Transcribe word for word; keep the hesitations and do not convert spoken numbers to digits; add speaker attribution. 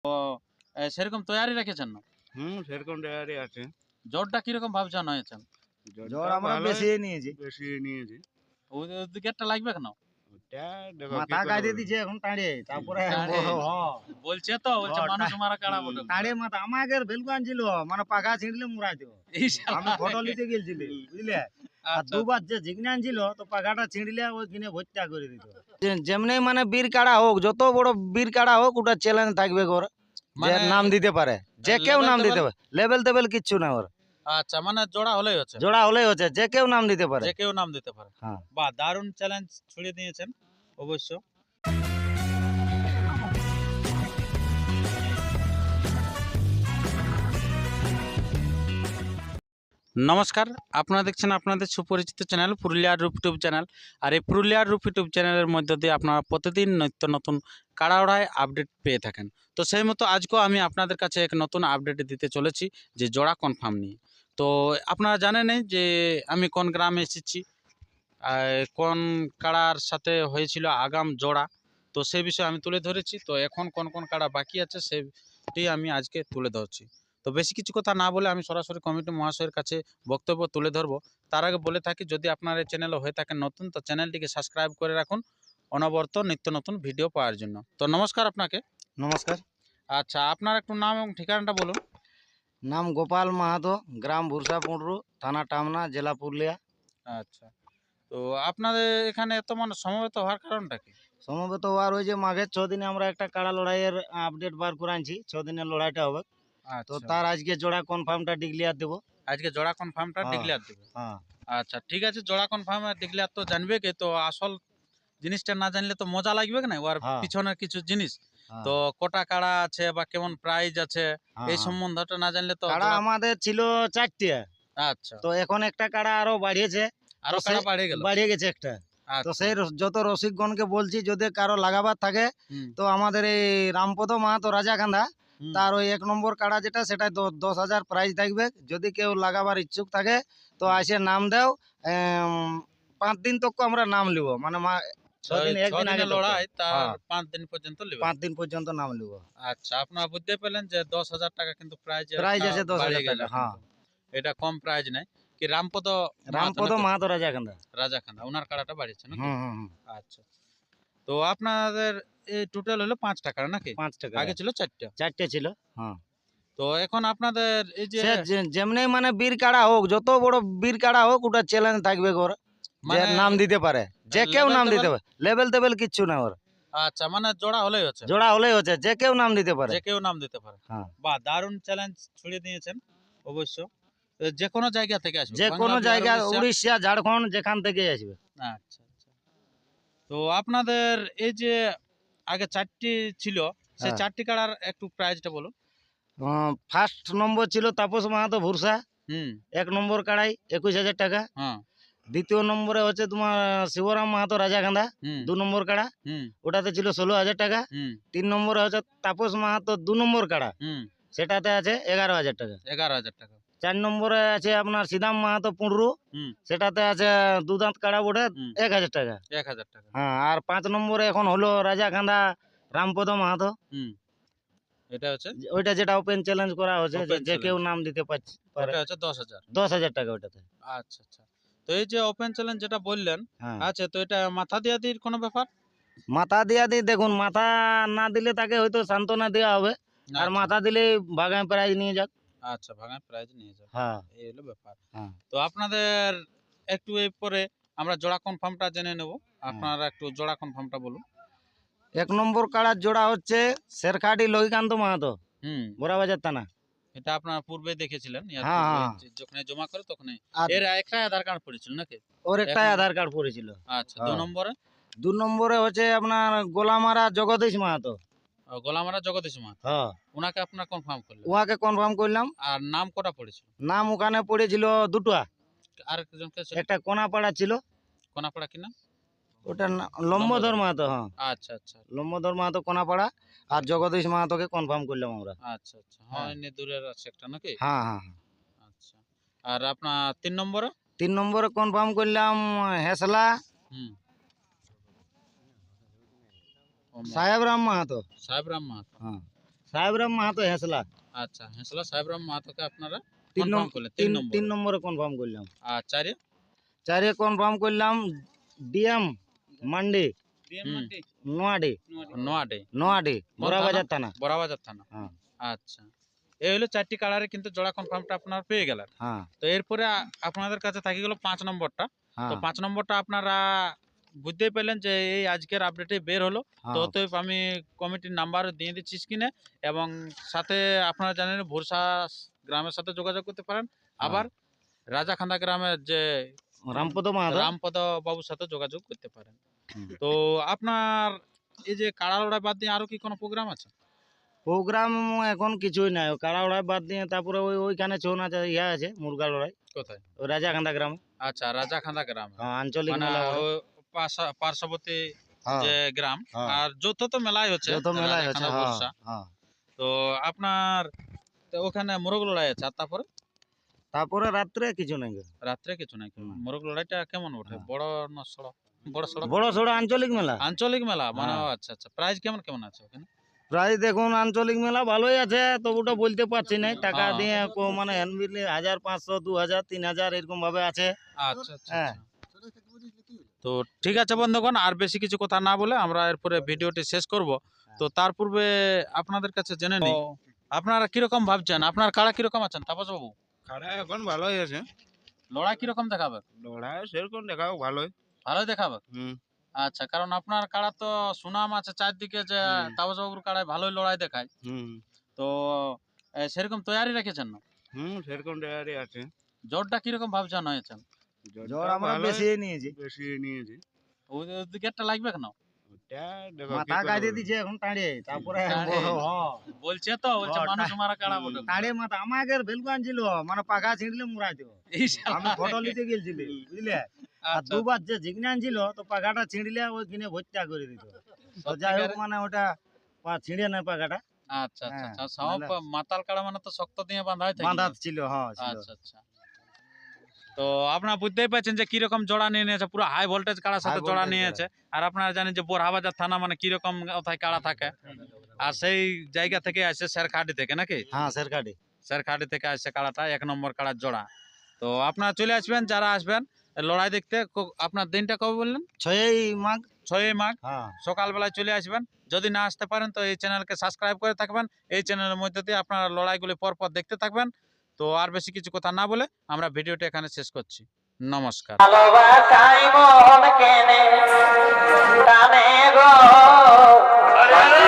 Speaker 1: তো এ, সেরকম তৈরি রেখেছেন না?
Speaker 2: হুম সেরকম তৈরি আছে।
Speaker 1: জ্বরটা কিরকম ভাবছেন হয়েছেন?
Speaker 3: জ্বর আমরা বেশি নিয়েছি,
Speaker 2: বেশি নিয়েছি।
Speaker 1: ওই দিকেরটা লাগবে কেন?
Speaker 2: ওটা দেখো
Speaker 3: মাথা গাইতে দিচ্ছে এখন টাড়িয়ে, তারপরে
Speaker 1: টাড়ে?
Speaker 3: হ্যাঁ,
Speaker 1: বলছে তো বলছে
Speaker 3: হ্যাঁ,
Speaker 1: মানুষ
Speaker 3: টা-
Speaker 1: মারা কাড়া বটে।
Speaker 3: টাড়িয়ে মাথা আমাকে ভেলকান ছিল, মানে পাখা ছিঁড়লে মুড়াইতো।
Speaker 1: এই শালা।
Speaker 3: আমি ফটো নিতে গেছিলি বুঝলে, আর
Speaker 1: আচ্ছা,
Speaker 3: দুবার যে জিগনান ছিল তো পাখাটা ছিঁড়লে ওই কিনে ভর্তা করে দিত। যেমনি মানে বীর কাড়া হোক, যত বড় বীর কাড়া হোক, ওটা চ্যালেঞ্জ থাকবে ওর, যে
Speaker 1: মানে
Speaker 3: নাম দিতে পারে, যে কেউ
Speaker 1: level
Speaker 3: নাম
Speaker 1: টেবেল?
Speaker 3: দিতে পারে, লেভেল টেবেল কিচ্ছু না ওর,
Speaker 1: আচ্ছা মানে জোড়া হলেই হচ্ছে,
Speaker 3: জোড়া হলেই হচ্ছে, যে কেউ নাম দিতে পারে।
Speaker 1: যে কেউ নাম দিতে পারে।
Speaker 3: হ্যাঁ।
Speaker 1: বাহ, দারুণ চ্যালেঞ্জ ছুড়ে দিয়েছেন অবশ্য। নমস্কার, আপনারা দেখছেন আপনাদের সুপরিচিত চ্যানেল পুরুলিয়ার রূপ ইউটিউব চ্যানেল। আর এই পুরুলিয়ার রূপ ইউটিউব চ্যানেলের মধ্য দিয়ে আপনারা প্রতিদিন নিত্য নতুন কাড়াওড়ায় আপডেট পেয়ে থাকেন। তো সেই মতো আজকেও আমি আপনাদের কাছে এক নতুন আপডেট দিতে চলেছি, যে জোড়া কনফার্ম নিয়ে। তো আপনারা জানেনই যে আমি কোন গ্রামে এসেছি, আর কোন কাড়ার সাথে হয়েছিল আগাম জোড়া, তো সেই বিষয়ে আমি তুলে ধরেছি। তো এখন কোন কোন কাড়া বাকি আছে সেটি আমি আজকে তুলে ধরছি। তো বেশি কিছু কথা না বলে আমি সরাসরি কমিটি মহাশয়ের কাছে বক্তব্য তুলে ধরবো। তার আগে বলে থাকি, যদি আপনার এই চ্যানেলে হয়ে থাকেন নতুন, তো চ্যানেলটিকে সাবস্ক্রাইব করে রাখুন অনবরত নিত্য নতুন ভিডিও পাওয়ার জন্য। তো নমস্কার আপনাকে।
Speaker 3: নমস্কার।
Speaker 1: আচ্ছা, আপনার একটু নাম এবং ঠিকানাটা বলুন।
Speaker 3: নাম গোপাল মাহাতো, গ্রাম ভুরসা পুঁডরু, থানা টামনা, জেলা পুরুলিয়া।
Speaker 1: আচ্ছা, তো আপনাদের এখানে এত মানুষ সমবেত হওয়ার কারণটা কি?
Speaker 3: সম্ভবত আর ওই যে মাঘের ছ দিনে আমরা একটা কাড়া লড়াইয়ের আপডেট বার করে আনছি, ছ দিনের লড়াইটা হবে, তো
Speaker 1: আচ্ছা,
Speaker 3: তার আজকে জোড়া কনফার্মটা ডিক্লিয়ার দেবো।
Speaker 1: আজকে জোড়া কনফার্মটা
Speaker 3: হ্যাঁ।
Speaker 1: ডিক্লেয়ার দেবে।
Speaker 3: হ্যাঁ।
Speaker 1: আচ্ছা ঠিক আছে, জোড়া কনফার্ম ডিক্লেয়ার তো জানবে কি, তো আসল জিনিসটা না জানলে তো মজা লাগবে না ওর
Speaker 3: হ্যাঁ।
Speaker 1: পিছনের কিছু জিনিস।
Speaker 3: হ্যাঁ।
Speaker 1: তো কটা কাড়া আছে বা কেমন প্রাইজ আছে
Speaker 3: হ্যাঁ,
Speaker 1: এই
Speaker 3: হ্যাঁ।
Speaker 1: সম্বন্ধটা না জানলে তো
Speaker 3: কাড়া
Speaker 1: জোড়া-
Speaker 3: আমাদের ছিল চারটে,
Speaker 1: আচ্ছা,
Speaker 3: তো এখন একটা কাড়া আরো বাড়িয়েছে,
Speaker 1: আরো
Speaker 3: তো
Speaker 1: কাড়া
Speaker 3: সে-
Speaker 1: বাড়িয়ে গেল।
Speaker 3: বাড়িয়ে গেছে একটা। তো
Speaker 1: আচ্ছা,
Speaker 3: সেই র- যত রসিকগণকে বলছি, যদি কারো লাগাবার থাকে,
Speaker 1: হুম,
Speaker 3: তো আমাদের এই রামপদ মাহাতো রাজাকান্দা,
Speaker 1: হুম।
Speaker 3: তার ওই এক নম্বর কাড়া যেটা, সেটা দশ হাজার প্রাইজ থাকবে। যদি কেউ লাগাবার ইচ্ছুক থাকে তো আসে নাম দেও, এম, পাঁচ দিন তক আমরা নাম লিব, মানে মা- ছ দিন
Speaker 1: ছয়- ছ
Speaker 3: একদিন আগে
Speaker 1: দিনের
Speaker 3: তক।
Speaker 1: লড়াই, তার
Speaker 3: হ্যাঁ।
Speaker 1: পাঁচ দিন পর্যন্ত নেবে।
Speaker 3: পাঁচ দিন পর্যন্ত নাম লিব।
Speaker 1: আচ্ছা, আপনারা বুঝতে পেলেন যে দশ হাজার টাকা কিন্তু প্রাইজ
Speaker 3: প্রাইজ আছে দশ হাজার টাকা। হ্যাঁ।
Speaker 1: এটা কম প্রাইজ নাই কি? রামপদ
Speaker 3: রামপদ মাহাতো রাজাকান্দা।
Speaker 1: রাজাখান্দা ওনার কাড়াটা বাড়িয়েছে নাকি?
Speaker 3: হুম হুম হুম।
Speaker 1: আচ্ছা, তো আপনাদের এই টোটাল হলো পাঁচ টাকা নাকি?
Speaker 3: পাঁচ টাকা
Speaker 1: আগে ছিল চারটা।
Speaker 3: চারটে ছিল। হ্যাঁ।
Speaker 1: তো এখন আপনাদের এই যে
Speaker 3: সে যে- যেমনি মানে বীর কাড়া হোক, যত বড় বীর কাড়া হোক, ওটা চ্যালেঞ্জ থাকবে ওর, যে
Speaker 1: মানে
Speaker 3: নাম দিতে পারে, যে কেউ
Speaker 1: level
Speaker 3: নাম দিতে
Speaker 1: টেবেল?
Speaker 3: পারে, লেভেল টেবেল কিচ্ছু না ওর,
Speaker 1: আচ্ছা মানে জোড়া হলেই হচ্ছে,
Speaker 3: জোড়া হলেই হচ্ছে, যে কেউ নাম দিতে পারে।
Speaker 1: যে কেউ নাম দিতে পারে।
Speaker 3: হ্যাঁ।
Speaker 1: বাহ, দারুণ চ্যালেঞ্জ ছুড়ে দিয়েছেন অবশ্য। এ, যে কোনো জায়গা থেকে আসবে,
Speaker 3: যে
Speaker 1: বাংলা,
Speaker 3: কোনো
Speaker 1: বিহার,
Speaker 3: জায়গা,
Speaker 1: উড়িষ্যা?
Speaker 3: উড়িষ্যা, ঝাড়খণ্ড, যেখান থেকে আসবে।
Speaker 1: আচ্ছা আচ্ছা। তো আপনাদের এই যে আগে চারটি ছিল, সেই
Speaker 3: হ্যাঁ।
Speaker 1: চারটি কাড়ার একটু প্রাইসটা বলুন।
Speaker 3: ফার্স্ট নম্বর ছিল তাপস মাহাতো ভুরসা,
Speaker 1: হুম,
Speaker 3: এক নম্বর কাড়াই একুশ হাজার টাকা।
Speaker 1: হ্যাঁ,
Speaker 3: দ্বিতীয় নম্বরে হচ্ছে তোমার শিবরাম মাহাতো রাজাকান্দা,
Speaker 1: হুম,
Speaker 3: দু নম্বর কাড়া,
Speaker 1: হুম,
Speaker 3: ওটাতে ছিল ষোলো হাজার টাকা।
Speaker 1: হুম,
Speaker 3: তিন নম্বরে হচ্ছে তাপস মাহাতো দু নম্বর কাড়া,
Speaker 1: হুম,
Speaker 3: সেটাতে আছে এগারো হাজার টাকা।
Speaker 1: এগারো হাজার টাকা।
Speaker 3: চার নম্বরে আছে আপনার সিদাম মাহাতো পুঁডরু,
Speaker 1: হুম,
Speaker 3: সেটাতে আছে দু দাঁত কাড়া বোটে,
Speaker 1: হুম,
Speaker 3: এক হাজার টাকা।
Speaker 1: এক হাজার টাকা।
Speaker 3: হ্যাঁ। আর পাঁচ নম্বরে এখন হলো রাজাকান্দা রামপদ মাহাতো,
Speaker 1: হুম, এটা হচ্ছে
Speaker 3: যে- ওইটা যেটা ওপেন চ্যালেঞ্জ করা হচ্ছে, যে
Speaker 1: Open
Speaker 3: যে কেউ
Speaker 1: challenge।
Speaker 3: নাম দিতে পারছে পারে।
Speaker 1: ওটা হচ্ছে দশ হাজার।
Speaker 3: দশ হাজার টাকা ওইটাতে।
Speaker 1: আচ্ছা আচ্ছা। তো এই যে ওপেন চ্যালেঞ্জ যেটা বললেন,
Speaker 3: হ্যাঁ।
Speaker 1: আচ্ছা, তো এটা মাথা দিয়া দির কোনো ব্যাপার?
Speaker 3: মাথা দিয়া দিই, দেখুন মাথা না দিলে তাকে হয়তো সান্ত্বনা দেওয়া হবে, আর
Speaker 1: আচ্ছা,
Speaker 3: মাথা দিলে বাগান প্রাইজ নিয়ে যাক।
Speaker 1: আচ্ছা, ভাঙায় প্রাইজ নিয়ে যাবে,
Speaker 3: হ্যাঁ।
Speaker 1: এই হলো ব্যাপার।
Speaker 3: হ্যাঁ।
Speaker 1: তো আপনাদের একটু এই পরে আমরা জোড়া কনফার্মটা জেনে নেব, আপনারা একটু জোড়া কনফার্মটা বলুন।
Speaker 3: এক নম্বর কাড়ার জোড়া হচ্ছে শেরখাটি লহিকান্ত মাহাতো,
Speaker 1: হুম,
Speaker 3: বোরাবাজার থানা।
Speaker 1: এটা আপনারা পূর্বে দেখেছিলেন, ইয়ার
Speaker 3: হ্যাঁ,
Speaker 1: পূর্বে
Speaker 3: হ্যাঁ।
Speaker 1: যে- যখন জমা করে তখন
Speaker 3: আর
Speaker 1: এর একটা আধার কার্ড পড়েছিল নাকি?
Speaker 3: ওর
Speaker 1: এক
Speaker 3: একটাই
Speaker 1: নম্বর-
Speaker 3: আধার কার্ড পড়েছিল।
Speaker 1: আচ্ছা, দু
Speaker 3: হ্যাঁ।
Speaker 1: নম্বরে
Speaker 3: দু নম্বরে হচ্ছে আপনার গোলামারা জগদীশ মাহাতো।
Speaker 1: আহ, গোলামারা জগদীশ মা,
Speaker 3: হ্যাঁ।
Speaker 1: ওনাকে আপনারা কনফার্ম করলেন।
Speaker 3: উহাকে কনফার্ম করলাম।
Speaker 1: আর নাম কটা পড়েছিল?
Speaker 3: নাম ওখানে পড়েছিল দুটো,
Speaker 1: আর একজনকে ছিল?
Speaker 3: একটা কোনাপাড়া ছিল,
Speaker 1: কোনাপাড়া কি নাম?
Speaker 3: ওটার নাম লম্বধর মাহাতো। হ্যাঁ,
Speaker 1: আচ্ছা আচ্ছা
Speaker 3: লম্বধর মাহাতো কোনাপাড়া, আর জগদীশ মাহাতোকে কনফার্ম করলাম আমরা।
Speaker 1: আচ্ছা আচ্ছা। হ্যাঁ, এমনি দূরের আছে একটা নাকি?
Speaker 3: হ্যাঁ হ্যাঁ হ্যাঁ।
Speaker 1: আচ্ছা। আর আপনার তিন নম্বরে?
Speaker 3: তিন নম্বরে কনফার্ম করলাম হেসলা
Speaker 1: হুম,
Speaker 3: সাহেব রাম মাহাতো।
Speaker 1: সাহেব রাম মাহাতো।
Speaker 3: হ্যাঁ। সাহেবরাম মাহাতো হেসলা
Speaker 1: আচ্ছা হেসলা সাহেবরাম মাহাতোকে আপনারা
Speaker 3: তিন
Speaker 1: কনফার্ম
Speaker 3: নম্বর
Speaker 1: করলেন
Speaker 3: তিন
Speaker 1: তিন নম্বর
Speaker 3: তিন নম্বরে কনফার্ম করলাম।
Speaker 1: আর চারে
Speaker 3: চারে কনফার্ম করলাম ডিএম মান্ডি
Speaker 1: হুম,
Speaker 3: নোয়াডি
Speaker 1: নোয়াডে
Speaker 3: নোয়াডি বড়াবাজার থানা।
Speaker 1: বড়াবাজার থানা।
Speaker 3: হ্যাঁ
Speaker 1: আচ্ছা এই হলো চারটি কালারে কিন্তু জোড়া কনফার্মটা আপনারা পেয়ে গেলেন।
Speaker 3: হ্যাঁ
Speaker 1: তো এরপরে আ- আপনাদের কাছে থাকি গেল পাঁচ নম্বরটা। তো
Speaker 3: হ্যাঁ
Speaker 1: পাঁচ নম্বরটা আপনারা বুঝতেই পেলেন যে এই আজকের আপডেটে বের হলো। তো
Speaker 3: হ্যাঁ
Speaker 1: অতএব আমি কমিটির নাম্বার দিয়ে দিচ্ছি স্ক্রিনে, এবং সাথে আপনারা জানেন ভোরসা গ্রামের সাথে যোগাযোগ করতে পারেন। আবার রাজাখান্দা গ্রামের যে
Speaker 3: রামপদ মাহাতো।
Speaker 1: রামপদ বাবুর সাথে যোগাযোগ করতে পারেন।
Speaker 3: হুম।
Speaker 1: তো আপনার এই যে কাড়া লড়াই বাদ দিয়ে আরো কি কোনো প্রোগ্রাম আছে?
Speaker 3: প্রোগ্রাম এখন কিছুই নাই, কাড়া লড়াই বাদ দিয়ে তারপরে ওই ওইখানে ছৌ নাচ ইয়া আছে মুরগা লড়াই
Speaker 1: কোথায়?
Speaker 3: ওই রাজাকান্দা গ্রামে।
Speaker 1: আচ্ছা রাজাখান্দা গ্রাম,
Speaker 3: হ্যাঁ আঞ্চলিক
Speaker 1: মানে
Speaker 3: মেলা ওটা।
Speaker 1: ও পাশা- পার্শ্ববর্তী
Speaker 3: হ্যাঁ
Speaker 1: যে গ্রাম।
Speaker 3: হ্যাঁ।
Speaker 1: আর যত তো মেলাই হচ্ছে
Speaker 3: যত মেলায় হচ্ছে।
Speaker 1: রাজাখান্দা,
Speaker 3: হ্যাঁ
Speaker 1: ভোরসা।
Speaker 3: হ্যাঁ
Speaker 1: তো আপনার তো ওখানে মোরগ লড়াই আছে, আর তারপরে
Speaker 3: তারপরে রাত্রে কিছু নাই।
Speaker 1: রাত্রে কিছু নাই।
Speaker 3: হুম।
Speaker 1: মোরগ লড়াইটা কেমন ওঠে?
Speaker 3: হ্যাঁ।
Speaker 1: বড় না সড়ক? বড় সড়ক,
Speaker 3: বড় সড়ো আঞ্চলিক মেলা।
Speaker 1: আঞ্চলিক মেলা মানে।
Speaker 3: হ্যাঁ।
Speaker 1: ও আচ্ছা আচ্ছা, প্রাইস কেমন কেমন আছে ওখানে?
Speaker 3: প্রায় দেখুন আঞ্চলিক মেলা ভালোই আছে, তবুটা বলতে পারছি না। টাকা
Speaker 1: হ্যাঁ।
Speaker 3: দিয়ে কো- মানে হ্যান্ড বিলে হাজার পাঁচশো দু হাজার তিন হাজার এরকম ভাবে আছে।
Speaker 1: আচ্ছা আচ্ছা
Speaker 3: হ্যাঁ।
Speaker 1: আচ্ছা। তো ঠিক আছে বন্ধুগণ, আর বেশি কিছু কথা না বলে আমরা এরপরে ভিডিওটি শেষ করব। তো তার পূর্বে আপনাদের কাছে জেনে নিই আপনারা কিরকম ভাবছেন, আপনার কাড়া কিরকম আছেন তাপস বাবু?
Speaker 2: খাড়া এখন ভালোই আছে,
Speaker 1: লড়াই কিরকম দেখাবে?
Speaker 2: লড়াই সেরকম দেখাও ভালোই।
Speaker 1: ভালোই দেখাবে।
Speaker 2: হুম
Speaker 1: আচ্ছা, কারণ আপনার কাড়া তো সুনাম আছে চারদিকে যে
Speaker 2: হুম।
Speaker 1: তাপস বাবুর কাড়ায় ভালোই লড়াই দেখায়।
Speaker 2: হুম
Speaker 1: তো এ, সেরকম তৈরি রেখেছেন না?
Speaker 2: হুম সেরকম দেয়ারই আছে।
Speaker 1: জোরটা কিরকম ভাবছেন হয়েছেন?
Speaker 3: জ্বর আমরা
Speaker 2: ভালোই,
Speaker 3: বেশি নিয়েছি।
Speaker 2: বেশি নিয়েছি।
Speaker 1: ওই ওই গেটটা লাগবে কেন?
Speaker 2: ওটা দেখো
Speaker 3: মাথা কাটিয়ে দিচ্ছে এখন টাড়িয়ে, তারপরে
Speaker 1: টাড়ে?
Speaker 3: হ্যাঁ,
Speaker 1: বলছে তো, বলছে
Speaker 3: ও,
Speaker 1: মানুষ
Speaker 3: টা-
Speaker 1: মারা কাড়া বটে।
Speaker 3: টাড়িয়ে মাথা আমাকে ভেলকু আনছিল, মানে পাখা ছিঁড়লে মুড়াই দেবো।
Speaker 1: এই শালা।
Speaker 3: আমি ফটো নিতে গেছিলি বুঝলে, আর
Speaker 1: আচ্ছা,
Speaker 3: দুবার যে জিগনা আনছিল তো পাখাটা ছিঁড়লে ওই কিনে ভর্তা করে দিত। তো যাই হোক মানে ওটা পা- ছিঁড়ে নাই পাখাটা,
Speaker 1: আচ্ছা আচ্ছা
Speaker 3: হ্যাঁ,
Speaker 1: আচ্ছা। সব
Speaker 3: নাহলে-
Speaker 1: মাতাল কাড়া মানে তো শক্ত দিয়ে বাঁধাই থাকে।
Speaker 3: বাঁধা ছিল। হ্যাঁ ছিল।
Speaker 1: আচ্ছা আচ্ছা। তো আপনারা বুঝতেই পারছেন যে কিরকম জোড়া নিয়ে নিয়েছে, পুরো হাই ভোল্টেজ কাড়ার সাথে
Speaker 3: High
Speaker 1: জোড়া
Speaker 3: voltage
Speaker 1: নিয়েছে। আর আপনারা জানেন যে বোরহাবাজার থানা মানে কিরকম কোথায় কাড়া থাকে, আর সেই জায়গা থেকে আসে শেরখাটি থেকে নাকি?
Speaker 3: হ্যাঁ শেরকাটি।
Speaker 1: শেরখাটি থেকে আসছে কাড়াটা, এক নম্বর কাড়ার জোড়া। তো আপনারা চলে আসবেন, যারা আসবেন লড়াই দেখতে। ক- আপনার দিনটা কবে বললেন?
Speaker 3: ছয়ই মাঘ।
Speaker 1: ছয়ই মাঘ
Speaker 3: হ্যাঁ
Speaker 1: সকালবেলায় চলে আসবেন। যদি না আসতে পারেন তো এই চ্যানেলকে সাবস্ক্রাইব করে থাকবেন। এই চ্যানেলের মধ্যে দিয়ে আপনারা লড়াইগুলি পরপর দেখতে থাকবেন। তো আর বেশি কিছু কথা না বলে আমরা ভিডিওটা এখানে শেষ করছি। নমস্কার।
Speaker 4: ভালোবাসাই মন কেনে টানে গো